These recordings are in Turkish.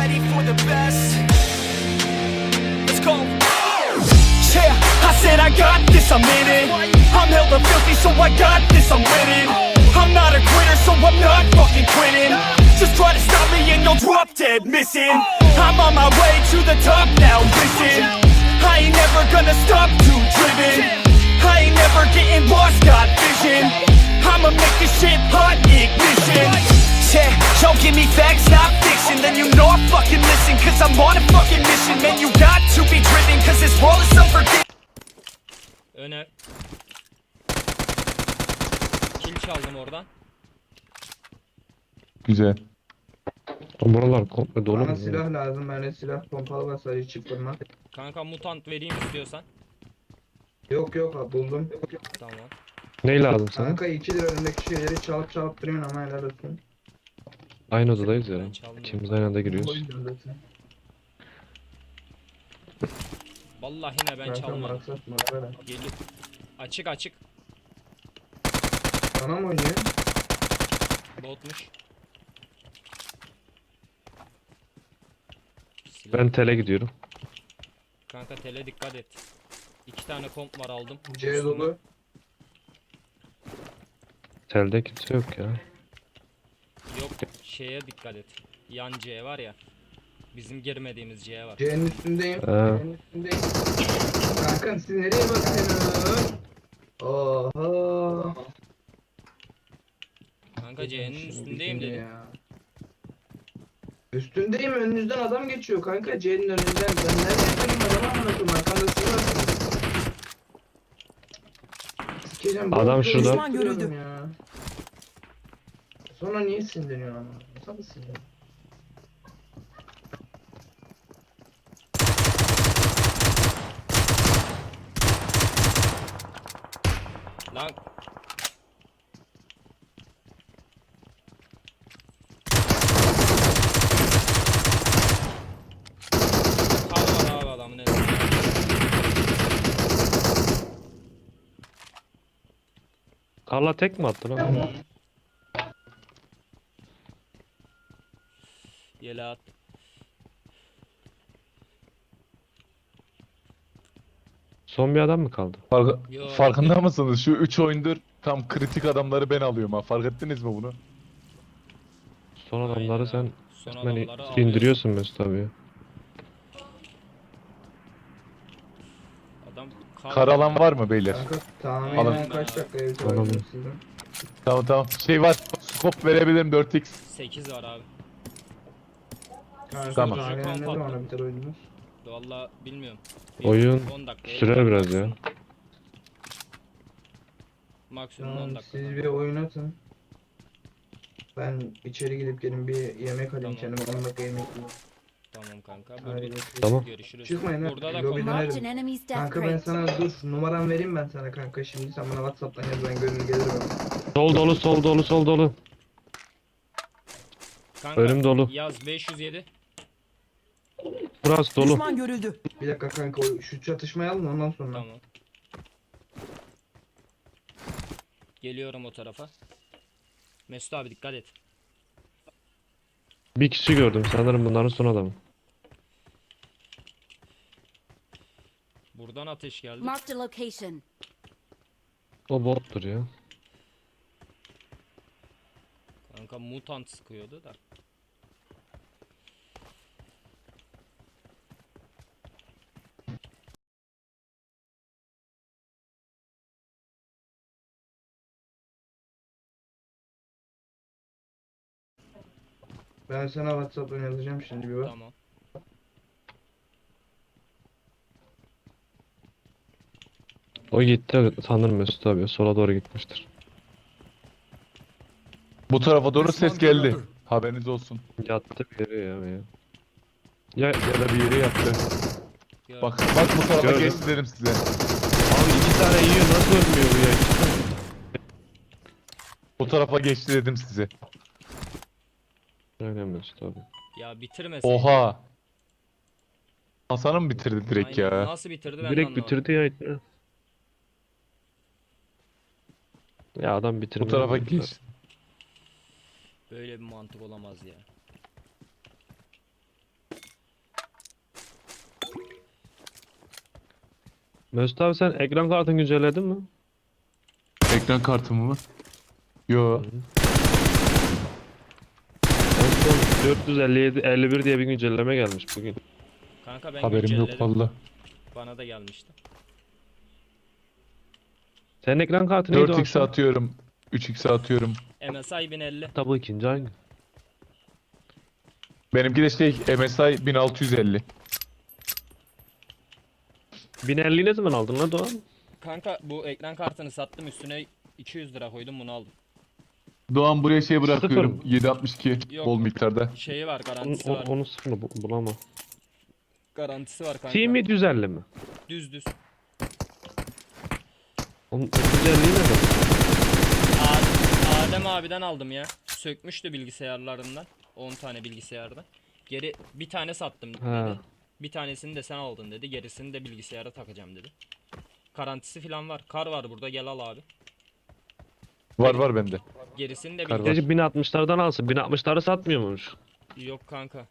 ready for the best. Let's go. Yeah, I said I got this, I'm in it. I'm hella filthy, so I got this, I'm winning. I'm not a quitter, so I'm not fucking quitting. Just try to stop me and you'll drop dead missing. I'm on my way to the top now, listen. I ain't never gonna stop, too driven. I ain't never getting lost, got vision. I'ma make this shit hot, ignition. Yeah, yo, give me facts, not fiction. Then you know I fucking listen, cause I'm on a fucking mission. Man, you got to be driven, cause this world is unforgiving. Öne. Kill çaldım oradan. Güzel. Buralar komple dolu Bana mu? silah lazım. Bende silah pompalı var, sadece çift vurma. Kanka mutant vereyim istiyorsan. Yok yok abi, buldum. Tamam. Ne lazım sana? Kanka 2 lira önündeki şeyleri çalıp duruyorsun ama helal olsun. Aynı odadayız ya. Ben çalmıyorum. İkimiz aynı anda O giriyoruz. yüzden zaten. Vallahi ne ben Kanka çalmadım. maksat mı? Böyle. Geliyor. Açık açık. Bana mı oynuyor? Botmuş. Ben tele gidiyorum. Kanka tele dikkat et. 2 tane komp var aldım. C dolu. Telde kimse yok ya. Yok şeye dikkat et. Yan C var ya. Bizim girmediğimiz C var. C'nin üstündeyim. Ha. C'nin üstündeyim. Kankam siz nereye bakıyorsunuz? Oha. Kanka C'nin Şimdi üstündeyim şimdi dedim. ya. Üstündeyim, önünüzden adam geçiyor kanka, C'nin önünden. Ben nereden göreyim adamı, anlatıyorum arkamda siz varsınız. Sikeceğim, Adam boş şurada. boş duruyorum ya. Sonra niye sinirleniyor ama? Nasıl sinirleniyor? Lan kal var abi adamın elinde. Karla tek mi attın lan? Yele at. Son bir adam mı kaldı? Yo. Farkında mısınız? Şu 3 oyundur tam kritik adamları ben alıyorum ha. Fark ettiniz mi bunu? Son Aynen adamları abi. sen Son resmen adamları alıyorsun. indiriyorsun Mesut abi ya. Adam Karalan var mı beyler? Kanka Alın. tahminen kaç dakikaya bitiyor sizin? Tamam tamam. Şey var. Scope verebilirim 4x. 8 var abi. Kanka Tamam. tahminen ne zamana biter oyunumuz? Vallahi bilmiyorum. Oyun 10 dakika. sürer biraz ya. Maksimum 10 Tamam, dakika. siz bir oyun atın. Ben içeri gidip gelin bir yemek alayım Tamam. kendime, 10 dakika yemek yiyeyim. Tamam kanka. Hadi Burada görüşürüz. Tamam. görüşürüz. Çıkmayın ha, Burada da lobiden komut. ayrı. Marked an enemy's death Kanka ben crate. sana dur numaram vereyim ben sana kanka, şimdi sen bana WhatsApp'tan yaz, ben görünür gelirim. Sol dolu, sol dolu, sol dolu. Kanka, Önüm dolu. Yaz 507. Burası dolu. Düşman görüldü. Bir dakika kanka, şu çatışmayı alın ondan sonra. Tamam. Geliyorum o tarafa. Mesut abi dikkat et. Bir kişi gördüm sanırım bunların son adamı. Buradan ateş geldi. Marked a location. O bottur ya. Kanka mutant sıkıyordu da. Ben sana WhatsApp'tan yazacağım şimdi, bir bak. Tamam. O gitti sanırım Mesut abi. Sola doğru gitmiştir. Bu tarafa doğru ses geldi. Haberiniz olsun. Yattı bir yere ya. Ya da bir yere yattı. Gördüm. Bak bu tarafa Gördüm. geçti dedim size. Abi iki tane yiyor nasıl ölmüyor bu ya? Bu tarafa geçti dedim size. Aynen Mesut abi. Ya bitirmeseydin. Oha. Hasan'ı mı bitirdi direkt Aynen. ya? Nasıl bitirdi ben de Direkt anlamadım. bitirdi ya. Ya adam bitirmiyor. Bu tarafa ya. geçti. Böyle bir mantık olamaz ya. Mesut abi sen ekran kartını güncelledin mi? Ekran kartımı mı? Yo. En son 457 51 diye bir güncelleme gelmiş bugün. Kanka ben Haberim yok güncelledim. valla. Bana da gelmişti. Senin ekran kartı neydi o 4x akşam? atıyorum. 3x atıyorum. MSI 1050. Tabii ikinci aynı. Benimki de MSI 1650. 1050 ne zaman aldın lan Doğan? Kanka bu ekran kartını sattım, üstüne 200 lira koydum, bunu aldım. Doğan buraya şey bırakıyorum. Sıfır. 762 Yok. bol miktarda. Şeyi var, Onun, garantisi var. onun sıfırını bulamam. Garantisi var kanka. Team 750 mi? Düz. Onun 750 ne de? Adem abiden aldım ya. Sökmüştü bilgisayarlarından. 10 tane bilgisayarda. Geri bir tane sattım dedi. Ha. Bir tanesini de sen aldın dedi. Gerisini de bilgisayara takacağım dedi. Garantisi falan var. Kar var burada, gel al abi. Var bende. Gerisini de Kar var. bilgisayar. Gece 1060'lardan alsın. 1060'ları satmıyor muymuş? Yok kanka.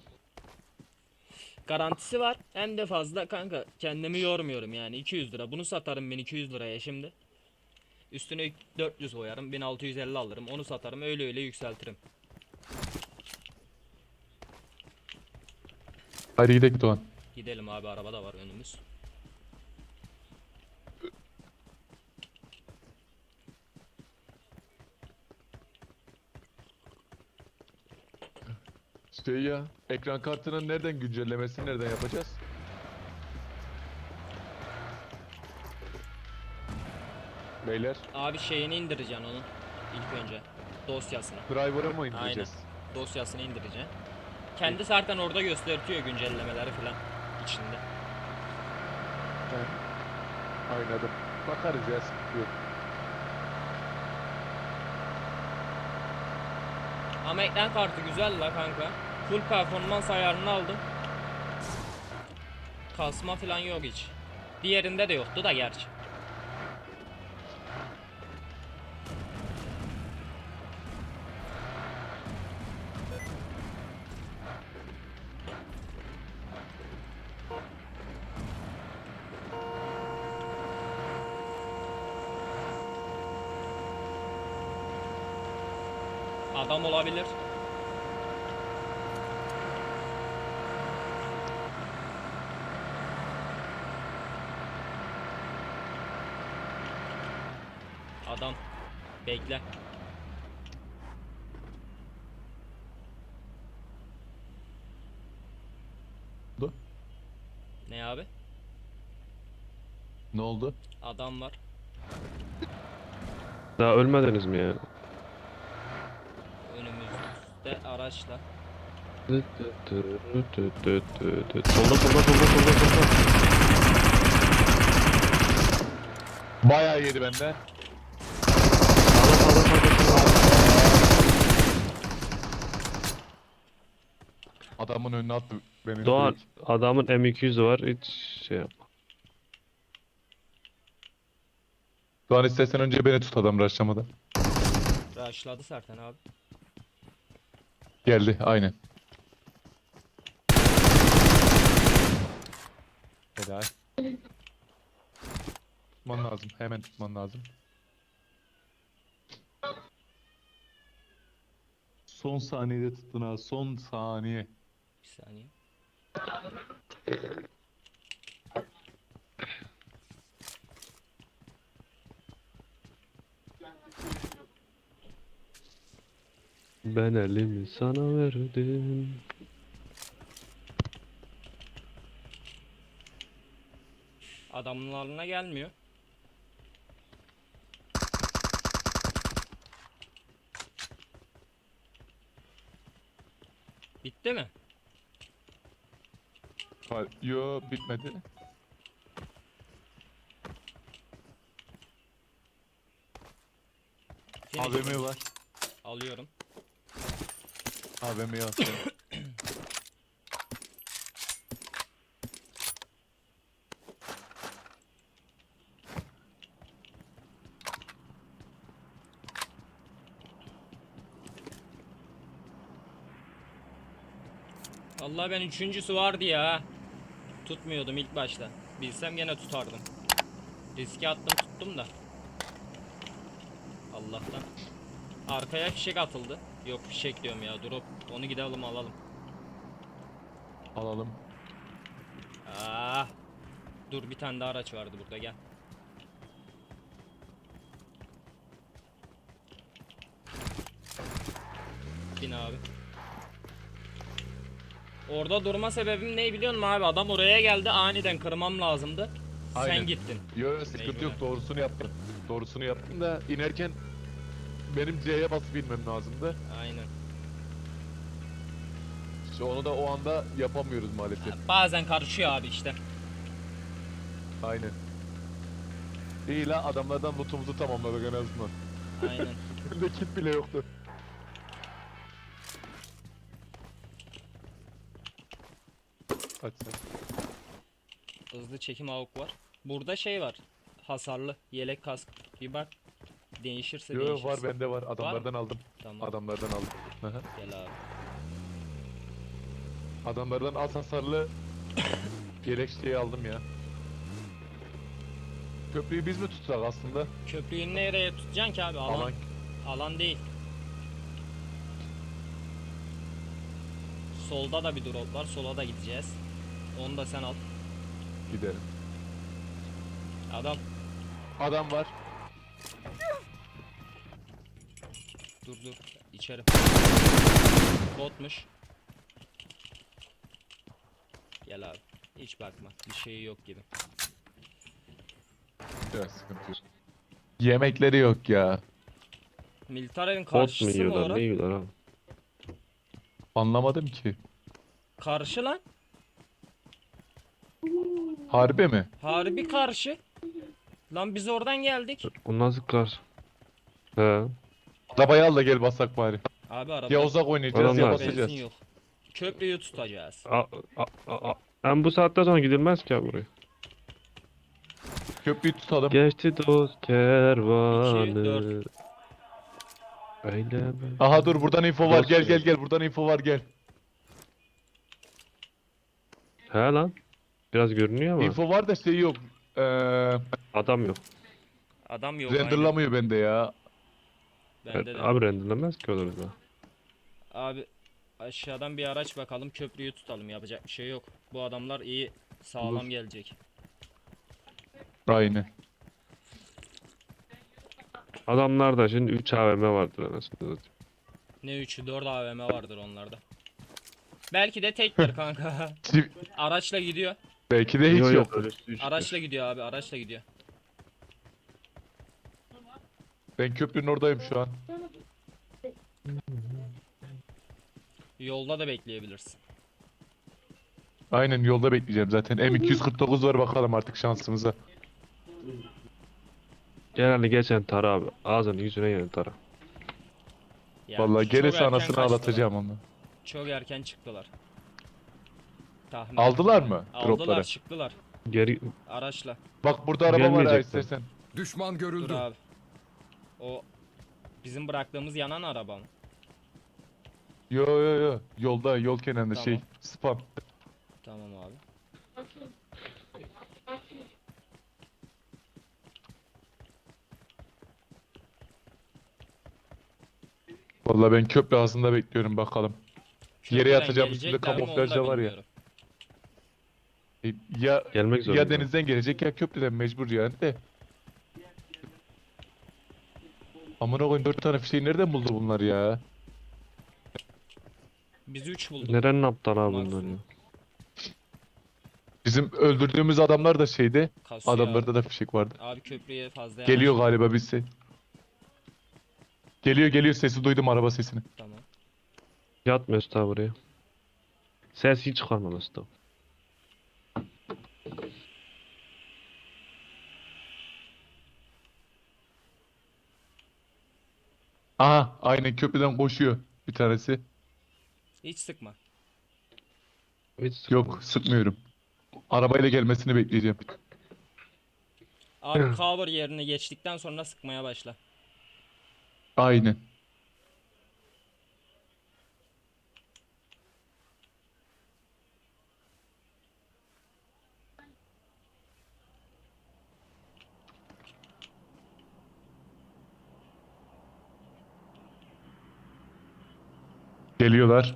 Garantisi var. Hem de fazla kanka. Kendimi yormuyorum yani. 200 lira. Bunu satarım 1200 liraya şimdi. Üstüne 400 koyarım. 1650 alırım. Onu satarım. Öyle yükseltirim. Hadi gidelim Doğan. Gidelim abi, araba da var önümüz. Ya, ekran kartının nereden güncellemesini nereden yapacağız? Beyler, Abi şeyini indireceksin onun. İlk önce. Dosyasını. driver'a mı indireceğiz? Dosyasını indireceksin. Kendi zaten orada gösteriyor güncellemeleri falan içinde. Aynadım. Bakarız ya, sıkıntı yok. Ama ekran kartı güzel la kanka. Full performans ayarını aldım. Kasma falan yok hiç. Diğerinde de yoktu da gerçi. Adam olabilir. Adam. Bekle. oldu? Ne abi? Ne oldu? Adam var. Daha ölmediniz mi ya? Önümüzde araçla. Solda. Bayağı yedi benden. Adamın önüne attı beni. Doğan direkt. adamın M200'ü var, hiç şey yapma. Doğan istersen önce beni tut adam rushlamadan. Rushladı zaten abi. Geldi aynen. Helal. Tutman lazım. Hemen tutman lazım. Son saniyede tuttun ha. Son saniye. Bir saniye. Ben elimi sana verdim. Adamın alına gelmiyor. Bitti mi? Yo bitmedi. Finish. AVM var. Alıyorum. AVM'yi atıyorum. Vallahi ben üçüncüsü vardı ya. Tutmuyordum ilk başta. Bilsem gene tutardım. Riske attım tuttum da. Allah'tan. Arkaya fişek atıldı. Yok fişek diyorum ya drop. Onu gidelim alalım. Alalım. Ah. Dur bir tane daha araç vardı burada gel. Bin abi. Orada durma sebebim ne biliyor musun abi? Adam oraya geldi aniden kırmam lazımdı. Sen Aynen. gittin. Yo sıkıntı Mecburen. yok, doğrusunu yaptım. Doğrusunu yaptım da inerken benim C'ye basıp inmem lazımdı. Aynen. İşte onu da o anda yapamıyoruz maalesef. Bazen karışıyor abi işte. Aynen. İyi la, adamlardan lootumuzu tamamladık en azından. Aynen. Bende kit bile yoktu. Aç sen. Hızlı çekim AUK var. Burada şey var. Hasarlı yelek kask. Bir bak. Değişirse Yo değişirse. var, bende var. Adamlardan aldım. Tamam. Adamlardan aldım. Hı hı. Gel abi. Adamlardan az hasarlı yelek şeyi aldım ya. Köprüyü biz mi tutsak aslında? Köprüyü nereye tutacaksın ki abi? Alan, Alan alan değil. Solda da bir drop var. Sola da gideceğiz. Onu da sen al. gidelim. Adam Adam var. dur dur. İçeri. Botmuş. Gel abi. Hiç bakma. Bir şey yok gibi. Biraz sıkıntı yok. Yemekleri yok ya. Militar'ın Bot mu karşısı mı yiyorlar? orası? Ne yiyorlar abi? Anlamadım ki. Karşı lan. Harbi mi? Harbi karşı. Lan biz oradan geldik. O nasıl kar? He. Arabayı al da gel basak bari. Abi araba. Ya uzak oynayacağız ya Adamlar. basacağız. Benzin yok. Köprüyü tutacağız. Ben bu saatten sonra gidilmez ki abi buraya. Köprüyü tutalım. Geçti dost kervanı. dört. Eyleme. Aha dur, buradan info var. Dost Gel diyor. gel gel, buradan info var, gel. He lan. Biraz görünüyor ama Info var da şey yok. adam yok. Adam yok aynen. Renderlamıyor bende ya. Bende de. Abi renderlemez ki olur da. Abi aşağıdan bir araç bakalım köprüyü tutalım yapacak bir şey yok. Bu adamlar iyi sağlam Olur. gelecek. Aynen. Adamlarda şimdi 3 AVM vardır anasını satayım. Ne 3'ü 4 AVM vardır onlarda. Belki de tektir kanka. Çiv- Araçla gidiyor. Belki de hiç Yo, yo, yok. öyle üstü üçtür. Araçla gidiyor abi araçla gidiyor. Ben köprünün oradayım şu an. Yolda da bekleyebilirsin. Aynen, yolda bekleyeceğim zaten. M249 var, bakalım artık şansımıza. Genelde geçen tara abi. Ağzını yüzüne yenen tara. Yani Vallahi çok gelirse erken anasını kaçtılar. ağlatacağım onu. Çok erken çıktılar. Tahmin Aldılar ettim. mı Aldılar dropları? çıktılar Geri araçla. Bak burada araba var ha, Gelmeyecekler. istersen. Düşman Dur görüldü. abi. O bizim bıraktığımız yanan araba mı? Yo yo yo. Yolda, yol kenarında Tamam. şey. Spam. Tamam abi. Vallahi ben köprü ağzında bekliyorum, bakalım. Yere Köprüden yatacağım, üstünde gelecekler mi onu kamuflaj da var ya. bilmiyorum. Ya gelmek zorunda. ya denizden gelecek ya köprüden, mecbur yani de. Amına koyayım, 4 tane fişeği nereden buldu bunlar ya? Biz 3 bulduk. Nerenin aptal abi bunlar Maksimum. ya? Bizim öldürdüğümüz adamlar da şeyde. Kasıyor Adamlarda abi. da fişek vardı. Abi köprüye fazla Geliyor yanaşma. galiba birisi. Geliyor geliyor, sesi duydum, araba sesini. Tamam. Yat Mesut abi buraya. Ses hiç çıkarma Mesut abi. Aha, aynen köprüden koşuyor bir tanesi. Hiç sıkma. Hiç Yok, sıkmıyorum. Arabayla gelmesini bekleyeceğim. Abi cover yerine geçtikten sonra sıkmaya başla. Aynen. Geliyorlar.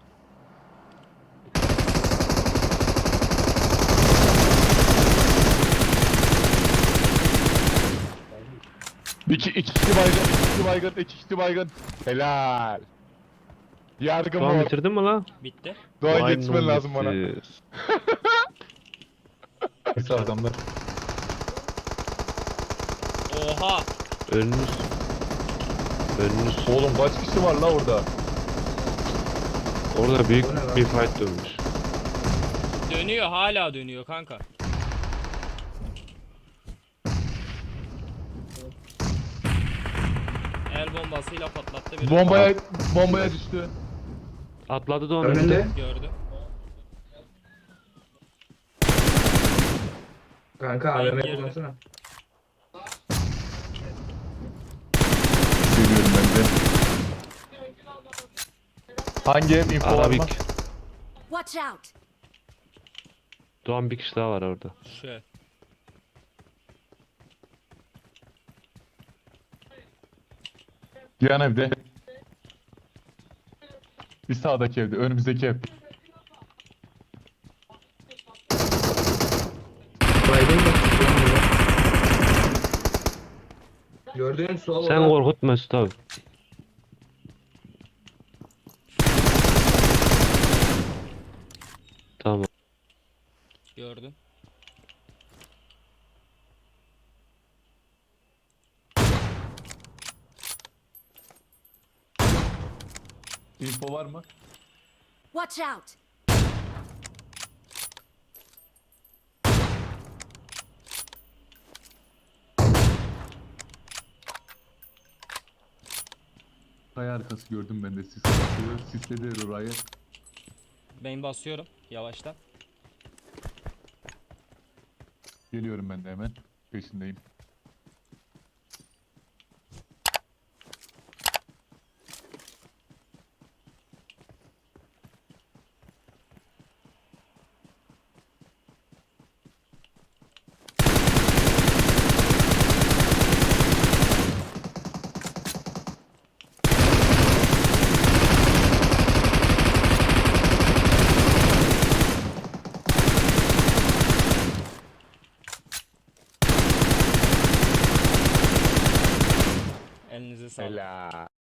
İki kişi baygın, iki kişi baygın, iki kişi baygın. Helal. Yargı Doğan mor. bitirdin mi lan? Bitti. Doğan Vay yetişmen lazım bana. bitti. Nasıl adamlar? Oha. Önünüz. Önünüz. Oğlum kaç kişi var la orada? Orada büyük O ne lan? bir fight dönmüş. Dönüyor, hala dönüyor kanka. El bombasıyla patlattı biri. Bombaya düştü. Atladı Doğan Önünde. önünde. Gördüm. Kanka Ben AVM girdim. kullansana. Seviyorum ben de. Hangi ev info var mı? Arabik. Watch out! Doğan bir kişi daha var orada. Şu. Yan evde. Bir sağdaki evde, önümüzdeki ev. Baydın mı? Gördüğün sol Sen olan- korkut Mesut abi. Tamam. Gördüm. Info var mı? Watch out! Kaya arkası gördüm ben de sis atıyor. Sisledi orayı. Ben basıyorum yavaştan. Geliyorum ben de hemen. Peşindeyim. Elinize sağlık. Helal.